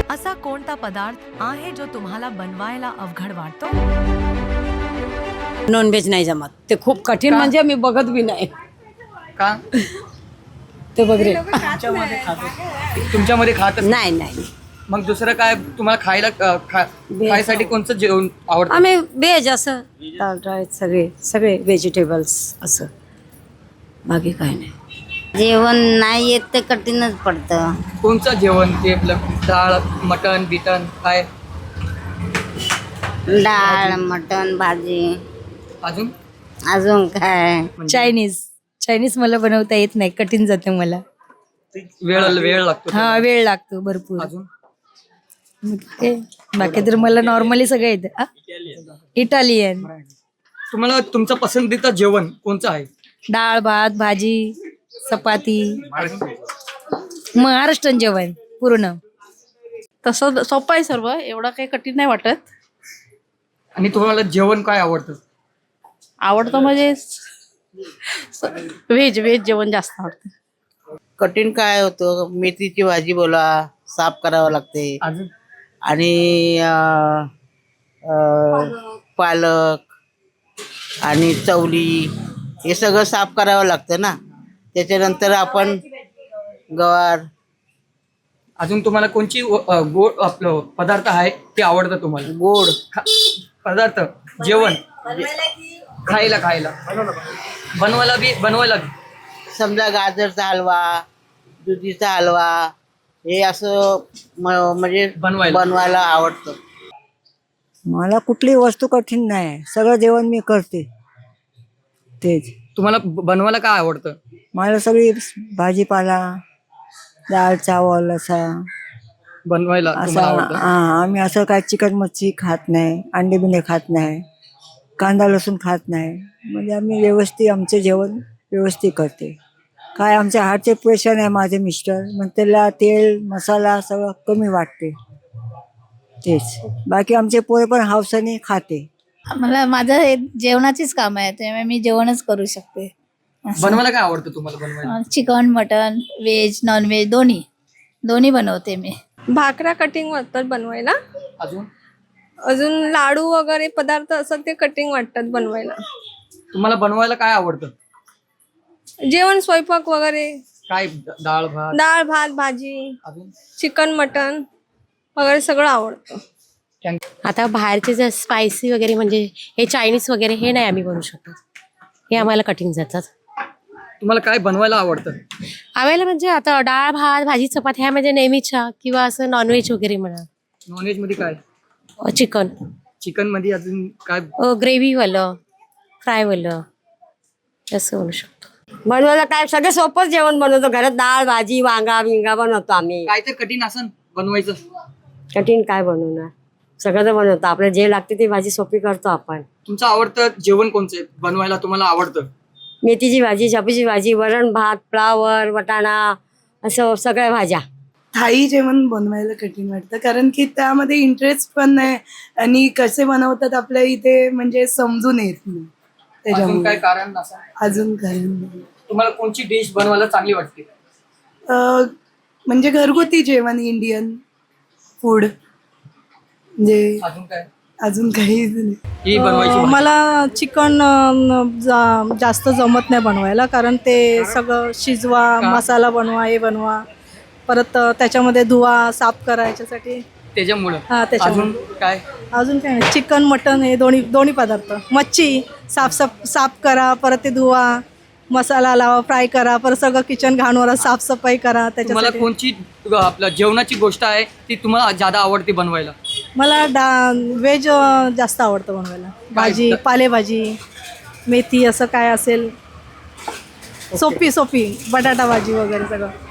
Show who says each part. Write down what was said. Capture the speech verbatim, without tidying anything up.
Speaker 1: असा कोणता पदार्थ आहे जो तुम्हाला बनवायला अवघड वाटतो?
Speaker 2: नॉनव्हेज नाही जमत, ते खूप कठीण, म्हणजे मी बघत बी नाही
Speaker 3: का?
Speaker 2: ते बघरे
Speaker 3: तुमच्यामध्ये खातच
Speaker 2: नाही नाही
Speaker 3: मग दुसरं काय तुम्हाला खायला अ, खा- खायसाठी कोणतं जेवण आवडतं?
Speaker 2: आम्ही व्हेज असं दाल राईस सगळे सगळे व्हेजिटेबल्स असं, बाकी काय नाही.
Speaker 4: जेवण नाही येत ते कठीणच पडतं.
Speaker 3: कोणचं जेवण ते आपलं डाळ मटण बिटन काय
Speaker 4: डाळ मटण भाजी
Speaker 3: अजून
Speaker 4: अजून काय.
Speaker 5: चायनीज चायनीज मला बनवता येत नाही, कठीण जातं मला.
Speaker 3: वेळ वेळ लागतो
Speaker 5: हा, वेळ लागतो भरपूर.
Speaker 3: अजून
Speaker 5: ते बाकी तर मला नॉर्मली सगळं येतं. आ? इटालियन.
Speaker 3: तुम्हाला तुमचं पसंतीचं जेवण कोणचं आहे?
Speaker 5: डाळ भात भाजी चपाती, महाराष्ट्रीयन जेवण पूर्ण.
Speaker 6: तसं सोपं आहे सर्व, एवढं काही कठीण नाही वाटत.
Speaker 3: आणि तुम्हाला जेवण काय आवडतं?
Speaker 6: आवडतं म्हणजे व्हेज व्हेज जेवण जास्त आवडतं.
Speaker 7: कठीण काय होतं, मेथीची भाजी बोला, साफ करावं लागते.
Speaker 3: अजून
Speaker 7: आणि अं, अं, पालक आणि चवली हे सगळं साफ करावं लागतं ना. त्याच्यानंतर आपण गवार.
Speaker 3: अजून तुम्हाला कोणची अ, गोड आपलं पदार्थ आहे ते आवडतं तुम्हाला?
Speaker 7: गोड
Speaker 3: खा- पदार्थ जेवण खायला खायला बनवायला बी बनवायला बी
Speaker 7: समजा गाजरचा हलवा, दुधीचा हलवा हे असं म- म्हणजे
Speaker 3: बनवायला.
Speaker 7: बनवायला आवडतं.
Speaker 8: मला कुठली वस्तू कठीण नाही, सगळं जेवण मी करते. तेच
Speaker 3: तुम्हाला ब- बनवायला काय आवडतं?
Speaker 8: मला सगळी भाजीपाला, डाळ चावल असा
Speaker 3: बनवायला
Speaker 8: असा
Speaker 3: तुम्हाला आवडतं?
Speaker 8: हा, आम्ही असं काय चिकन मच्छी खात नाही, अंडे बिंडे खात नाही, कांदा लसूण खात नाही. म्हणजे आम्ही व्यवस्थित आमचे जेवण व्यवस्थित करते. काय आमच्या हार्टचे पेशंट आहे माझे मिस्टर, मग त्याला तेल मसाला सगळं कमी वाटते. तेच बाकी आमचे पोरे पण हौसाने खाते.
Speaker 9: मला माझं हे जेवणाचीच काम आहे, त्यामुळे मी जेवणच करू शकते.
Speaker 3: बनवायला काय आवडतं तुम्हाला बनवायला?
Speaker 9: Chicken mutton veg non veg दोन्ही दोन्ही बनवते मी.
Speaker 10: भाकऱ्या कटिंग वाटतात बनवायला.
Speaker 3: अजून
Speaker 10: अजून लाडू वगैरे पदार्थ असतात ते कटिंग वाटतात बनवायला.
Speaker 3: तुम्हाला बनवायला काय आवडतं?
Speaker 10: जेवण स्वयंपाक वगैरे,
Speaker 3: काय डाळ भात
Speaker 10: डाळ भात भाजी,
Speaker 3: अजून
Speaker 10: चिकन मटन वगैरे सगळं आवडतं.
Speaker 2: आता बाहेरचे जे स्पायसी वगैरे म्हणजे हे चायनीज वगैरे हे नाही आम्ही बनवू शकत, हे आम्हाला कठीण जातात.
Speaker 3: तुम्हाला काय बनवायला आवडतं?
Speaker 2: आम्हाला म्हणजे आता डाळ भात भाजी चपाती ह्या म्हणजे नेहमीच्या, किंवा असं नॉनव्हेज वगैरे म्हणा,
Speaker 3: नॉनव्हेज मध्ये काय?
Speaker 2: चिकन
Speaker 3: चिकन मध्ये अजून काय?
Speaker 2: ग्रेव्हीवालं फ्रायवालं असं बनवू शकतो.
Speaker 4: बनवायला काय सगळं सोपं जेवण बनवतो घरात. डाळ भाजी वांगा बिंगा बनवतो आम्ही.
Speaker 3: काय तर कठीण असं बनवायचं?
Speaker 4: कठीण काय बनवणार, सगळं तर बनवतो. आपल्याला जे लागते ती भाजी सोपी करतो आपण.
Speaker 3: तुमचं आवडतं जेवण कोणचं आहे बनवायला तुम्हाला आवडतं?
Speaker 4: मेथीची भाजी, शापूची भाजी, वरण भात, फ्लावर, वटाणा असं सगळ्या भाज्या.
Speaker 11: थाई जेवण बनवायला कठीण वाटतं, कारण की त्यामध्ये इंटरेस्ट पण नाही आणि कसे बनवतात आपल्या इथे म्हणजे समजून येत नाही.
Speaker 3: अजून
Speaker 11: त्याच्यामुळे
Speaker 3: काय कारण असं?
Speaker 11: अजून कारण नाही.
Speaker 3: तुम्हाला कोणची डिश बनवायला चांगली वाटते?
Speaker 11: अं, म्हणजे घरगुती जेवण, इंडियन फूड. म्हणजे
Speaker 3: अजून काय?
Speaker 11: अजून काही नाही.
Speaker 3: ही बनवायची भाजी.
Speaker 10: मला चिकन जास्त जमत नाही बनवायला, कारण ते सगळं शिजवा,
Speaker 3: का?
Speaker 10: मसाला बनवा, हे बनवा, परत त्याच्यामध्ये धुवा, साफ करा, याच्यासाठी.
Speaker 3: त्याच्यामुळं
Speaker 10: हा, त्याच्यामुळं.
Speaker 3: अजून काय?
Speaker 10: अजून काय नाही, चिकन मटन हे दोन्ही दोन्ही पदार्थ. मच्छी साफ साफ साफ करा, परत ते धुवा, मसाला लावा, फ्राय करा, परत सगळं किचन घाणवर साफसफाई करा.
Speaker 3: तुम्हाला
Speaker 10: त्याच्यासाठी
Speaker 3: कोणची आपल्या जेवणाची गोष्ट आहे ती तुम्हाला ज्यादा आवडते बनवायला?
Speaker 10: मला डा व्हेज जास्त आवडतं बनवायला. भाजी, पालेभाजी, मेथी असं काय असेल सोपी सोपी बटाटा भाजी वगैरे सगळं.